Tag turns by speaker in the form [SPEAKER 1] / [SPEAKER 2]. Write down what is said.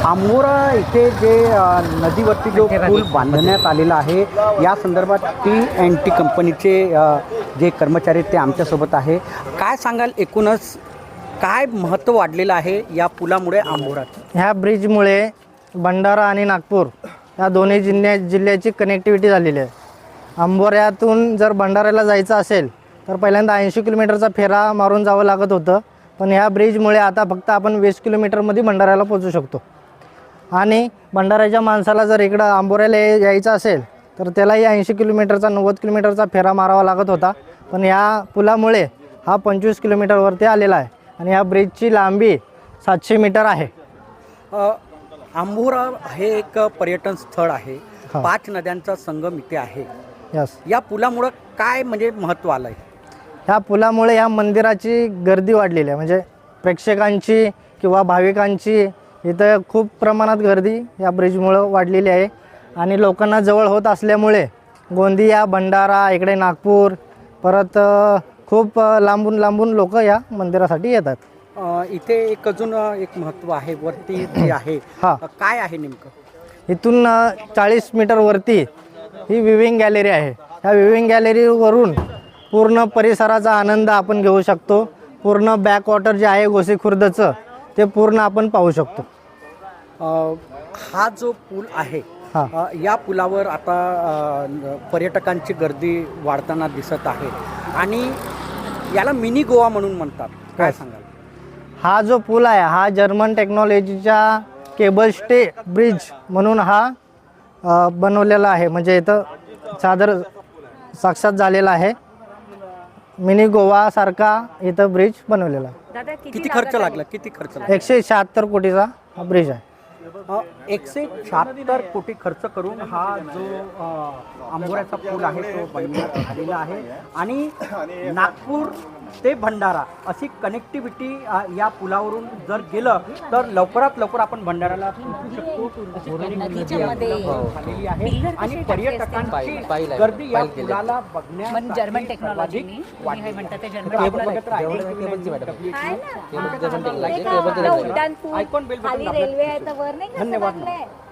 [SPEAKER 1] आंबोरा इथे जे नदीवरती जो पूल बांधण्यात आलेला आहे या संदर्भात T&T कंपनीचे जे कर्मचारी ते आमच्यासोबत आहे. काय सांगाल एकूणच काय महत्त्व वाढलेलं आहे या पुलामुळे आंबोरात?
[SPEAKER 2] ह्या ब्रिजमुळे भंडारा आणि नागपूर या दोन्ही जिल्ह्याची कनेक्टिव्हिटी झालेली आहे. आंबोऱ्यातून जर भंडाऱ्याला जायचं असेल तर पहिल्यांदा 80 किलोमीटरचा फेरा मारून जावं लागत होतं, पण ह्या ब्रिजमुळे आता फक्त आपण 20 किलोमीटरमध्ये भंडाऱ्याला पोहोचू शकतो. आणि भंडाऱ्याच्या माणसाला जर इकडं आंबोऱ्याला यायचं असेल तर त्यालाही 80 किलोमीटरचा 90 किलोमीटरचा फेरा मारावा लागत होता, पण ह्या पुलामुळे हा 25 किलोमीटरवरती आलेला आहे आणि ह्या ब्रिजची लांबी 700 मीटर आहे.
[SPEAKER 1] आंबोरा हे एक पर्यटन स्थळ आहे.
[SPEAKER 2] हा.
[SPEAKER 1] 5 नद्यांचा संगम इथे आहे.
[SPEAKER 2] यस,
[SPEAKER 1] या पुलामुळं काय म्हणजे महत्त्व आलं आहे?
[SPEAKER 2] ह्या पुलामुळे ह्या मंदिराची गर्दी वाढलेली आहे. म्हणजे प्रेक्षकांची किंवा भाविकांची इथं खूप प्रमाणात गर्दी या ब्रिजमुळं वाढलेली आहे. आणि लोकांना जवळ होत असल्यामुळे गोंदिया, भंडारा, इकडे नागपूर, परत खूप लांबून लांबून लोक या मंदिरासाठी येतात.
[SPEAKER 1] इथे एक अजून एक महत्त्व आहे वरती जे आहे.
[SPEAKER 2] हा.
[SPEAKER 1] काय आहे नेमकं?
[SPEAKER 2] इथून 40 मीटरवरती ही विविंग गॅलरी आहे. ह्या विविंग गॅलरीवरून पूर्ण परिसराचा आनंद आपण घेऊ शकतो. पूर्ण बॅकवॉटर जे आहे गोसीखुर्दचं ते पूर्ण आपण पाहू शकतो.
[SPEAKER 1] हा जो पूल आहे
[SPEAKER 2] हा.
[SPEAKER 1] या पुलावर आता पर्यटकांची गर्दी वाढताना दिसत आहे आणि याला मिनी गोवा म्हणून म्हणतात. काय सांगाल?
[SPEAKER 2] हा जो पूल आहे हा जर्मन टेक्नॉलॉजीच्या केबल स्टे ब्रिज म्हणून हा बनवलेला आहे. म्हणजे इथं साक्षात झालेला आहे. मिनी गोवासारखा इथं ब्रिज बनवलेला आहे.
[SPEAKER 1] किती खर्च लागला?
[SPEAKER 2] 176 कोटीचा हा ब्रिज आहे.
[SPEAKER 1] 176 कोटी खर्च करून हा जो आंबोऱ्याचा पूल आहे तो बनवण्यात आलेला आहे. आणि नागपूर ते भंडारा अशी कनेक्टिव्हिटी या पुलावरून जर गेलं तर लवकरात लवकर आपण भंडाराला पोहोचू शकतो. झालेली आहे आणि पर्यटकांची गर्दी या पुलाला
[SPEAKER 3] जर्मन टेक्नॉलॉजी
[SPEAKER 1] धन्यवाद.